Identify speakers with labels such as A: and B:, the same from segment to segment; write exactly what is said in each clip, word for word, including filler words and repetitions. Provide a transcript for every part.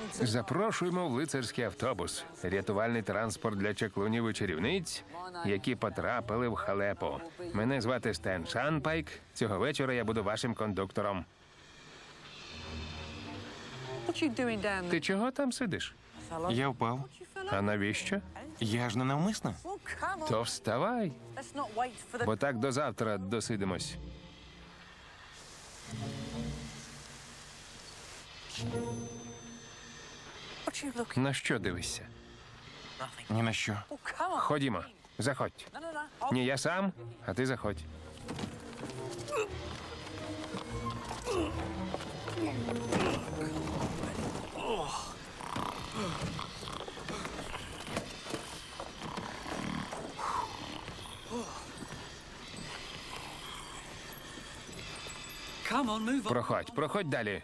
A: Запрошуємо в лицарський автобус. Рятувальний транспорт для чаклунів і чарівниць, які потрапили в халепу. Мене звати Стен Шанпайк. Цього вечора я буду вашим кондуктором. Ти чого там сидиш?
B: Я впав.
A: А навіщо?
B: Я ж не навмисно.
A: То вставай, бо так до завтра досидимось. На що дивишся?
B: Ні на що.
A: Ходімо, заходь. Ні, я сам, а ти заходь. Проходь, проходь далі.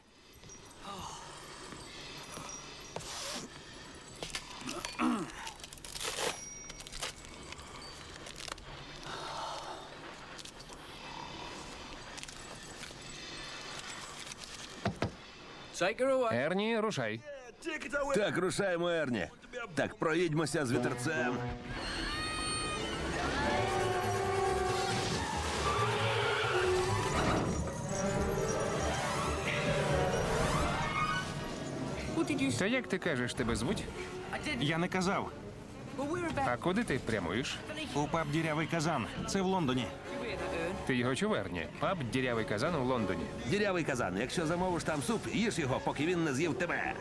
A: Ерні, рушай.
C: Так, рушаємо, Ерні. Так, проїдьмося з вітерцем.
A: То як ти кажеш, тебе звуть?
B: Я не казав.
A: А куди ти прямуєш?
B: У паб «Дірявий казан». Це в Лондоні.
A: Ти його чув, Ерні? Паб «Дірявий казан» у Лондоні.
C: Дірявий казан. Якщо замовиш там суп, їж його, поки він не з'їв тебе.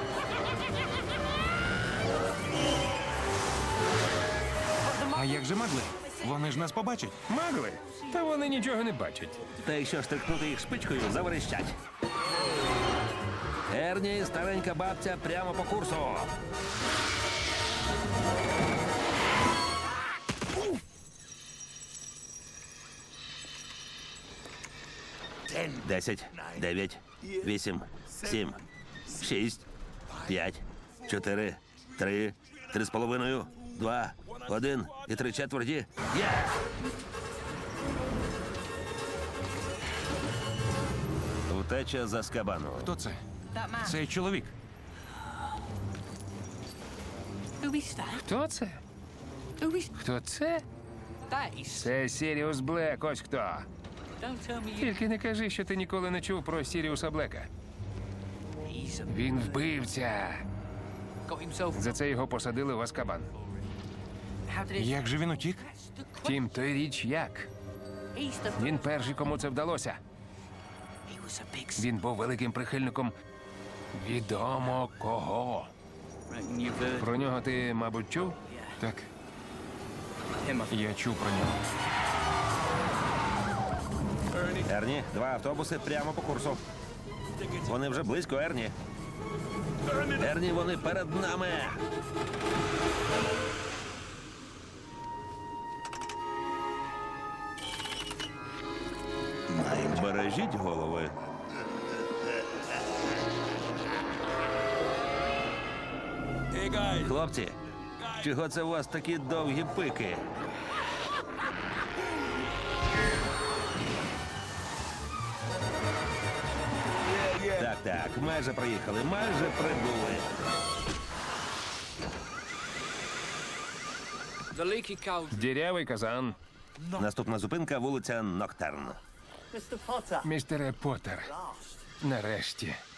B: А як же могли? Вони ж нас побачать.
A: Магли? Та вони нічого не бачать.
C: Та якщо штрикнути їх шпичкою, заверещать. Ерні, старенька бабця, прямо по курсу. Десять, дев'ять, вісім, сім, шість, п'ять, чотири, три, три з половиною, два, один і три четверті. Є! Втеча з Азкабану.
B: Хто це? Цей чоловік.
A: Хто це? Хто це? Це Сіріус Блек, ось хто. Тільки не кажи, що ти ніколи не чув про Сіріуса Блека. Він вбивця. За це його посадили в Азкабан.
B: Як же він утік?
A: Втім, той річ як. Він перший, кому це вдалося. Він був великим прихильником відомо кого. Про нього ти, мабуть, чув?
B: Так. Я чув про нього.
C: Ерні, два автобуси прямо по курсу. Вони вже близько, Ерні. Ерні, вони перед нами. Бережіть голови. Хлопці, чого це у вас такі довгі пики? Так, так, майже приїхали, майже прибули.
A: Дірявий казан.
C: Наступна зупинка — вулиця Ноктерн.
A: Містере Поттер. Нарешті.